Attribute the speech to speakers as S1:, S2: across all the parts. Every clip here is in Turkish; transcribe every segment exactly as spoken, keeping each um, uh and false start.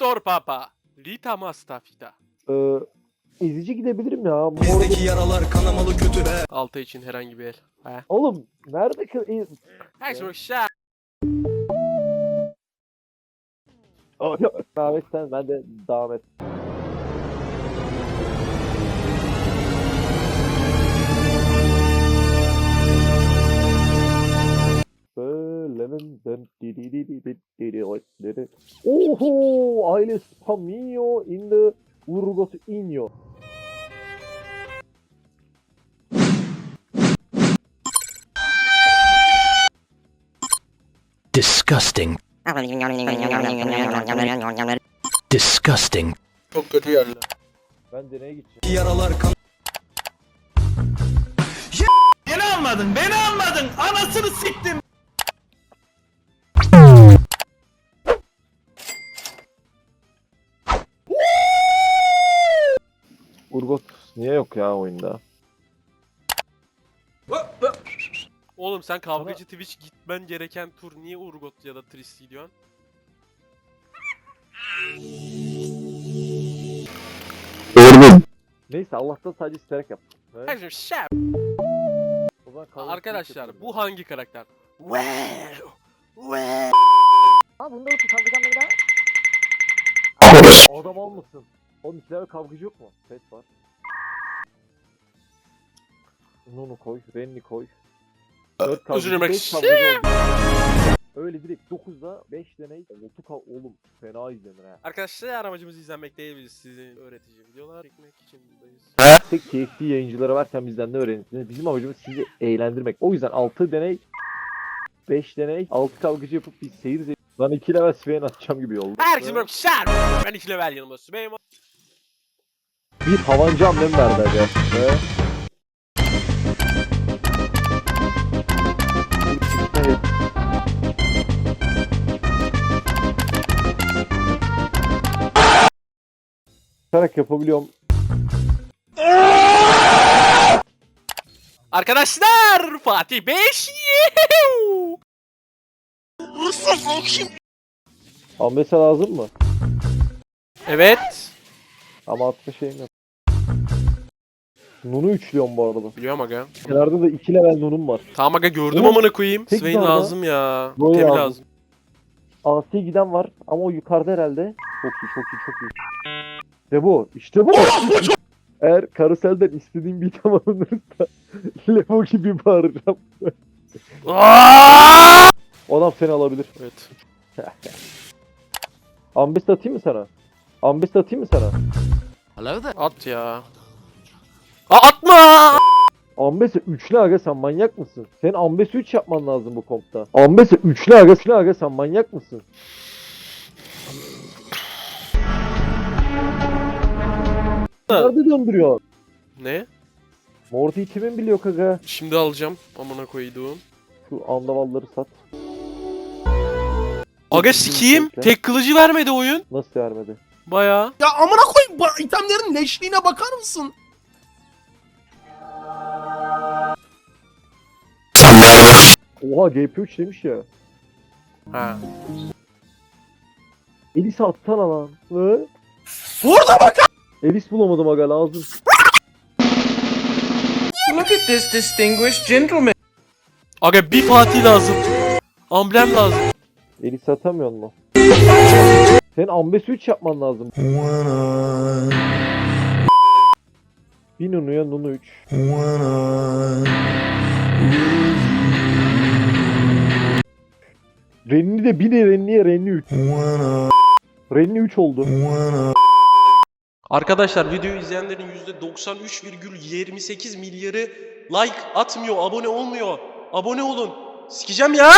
S1: Doktor Papa. Rita Mastafida.
S2: Ee, ezici gidebilirim ya.
S3: Bizdeki yaralar kanamalı kötü be.
S1: Altı için herhangi bir el. He.
S2: Oğlum nerede kı- e-
S1: Her şey şa.
S2: Aa, yok. Devam et sen, ben de devam et. Oho, aile Spamio in the Urgot Inyo.
S4: Disgusting. Disgusting.
S1: Çok kötü yerler.
S2: Ben de neye gideceğim?
S3: Yaralar kan
S5: Beni almadın, beni almadın. Anasını siktim.
S2: Urgot niye yok ya oyunda?
S1: Oğlum sen kavgacı Twitch gitmen gereken tur niye Urgot ya da Trist diyorsun?
S2: Neyse Allah'tan sadece isterek yaptım. Evet.
S1: Her şey şa.
S2: O zaman kavga
S1: Arkadaşlar
S2: yapalım.
S1: bu hangi karakter?
S2: Ha bunda da kavgacı mı daha? Adam olmasın. Oğlum ikilerde kavgacı yok mu? Pet var. Nunu koy, Renni koy. dört kavgacı,
S1: Üzülmek
S2: beş
S1: şey.
S2: kavgacı oldu. Öyle direkt dokuzda beş deney. Oltu kav... Oğlum fena izlenir ha.
S1: Arkadaşlar amacımız izlenmek değil, biz sizi öğretici videolar çekmek için buradayız.
S2: Tek keyifli yayıncıları varken bizden de öğrenirsiniz. Bizim amacımız sizi eğlendirmek. O yüzden altı deney, beş deney, altı kavgacı yapıp bir seyir zevki. Lan iki level Swain atacağım gibi oldu.
S1: Herkese merhaba şar. Ben iki level yanımda Süleyman.
S2: Bir havancı hamlem verdi aga. Ve... Yaparak yapabiliyorum.
S1: Arkadaşlar Fatih beş.
S2: Ambesa lazım mı?
S1: Evet.
S2: Ama atma şeyim yok. Nunu üçlüyorum bu arada.
S1: Biliyorum aga.
S2: Kenarda da iki level Nunum var.
S1: Tamam aga gördüm
S2: Oğlum,
S1: amına koyayım.
S2: tek
S1: Swain
S2: zarda
S1: lazım ya.
S2: böyle
S1: Temi
S2: lazım.
S1: lazım.
S2: Asiye giden var ama o yukarıda herhalde. Çok iyi, çok iyi, çok iyi. İşte bu, işte bu. Eğer karuselden istediğim bir item alınırsa Levo gibi bağıracağım.
S1: Aaaa!
S2: O adam seni alabilir.
S1: Evet.
S2: Ambest atayım mı sana? Ambest atayım mı sana?
S1: At ya. Aa, atma!
S2: Ambes'e üçlü aga, sen manyak mısın? Senin Ambes'e üç yapman lazım bu kompta. Ambes'e üçlü aga, üçlü aga, sen manyak mısın? Nerede döndürüyor?
S1: Ne?
S2: Morty kimin biliyor aga?
S1: Şimdi alacağım amına koyduğum.
S2: Şu andavalları sat.
S1: Aga sikiyim. Tek kılıcı vermedi oyun.
S2: Nasıl vermedi?
S1: Baya.
S5: Ya amına koy, bu itemlerin leşliğine bakar mısın?
S2: Oha G P üç demiş ya.
S1: Ha.
S2: Elis atsana lan. Hı?
S5: Burada bak.
S2: Elis bulamadım aga, lazım.
S6: Look at this distinguished gentleman.
S1: Aga bir Fatih lazım. Amblem lazım.
S2: Elis atamıyor mu? Senin Ambes üç yapman lazım. Bir Nunu'ya Nunu üç. Renni de bir de Renni'ye Renni üç. Renni üç oldu.
S1: Arkadaşlar videoyu izleyenlerin yüzde doksan üç virgül yirmi sekiz milyarı like atmıyor, abone olmuyor. Abone olun. Sikeceğim ya.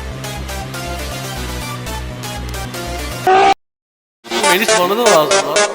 S1: Melis bana da lazım lan.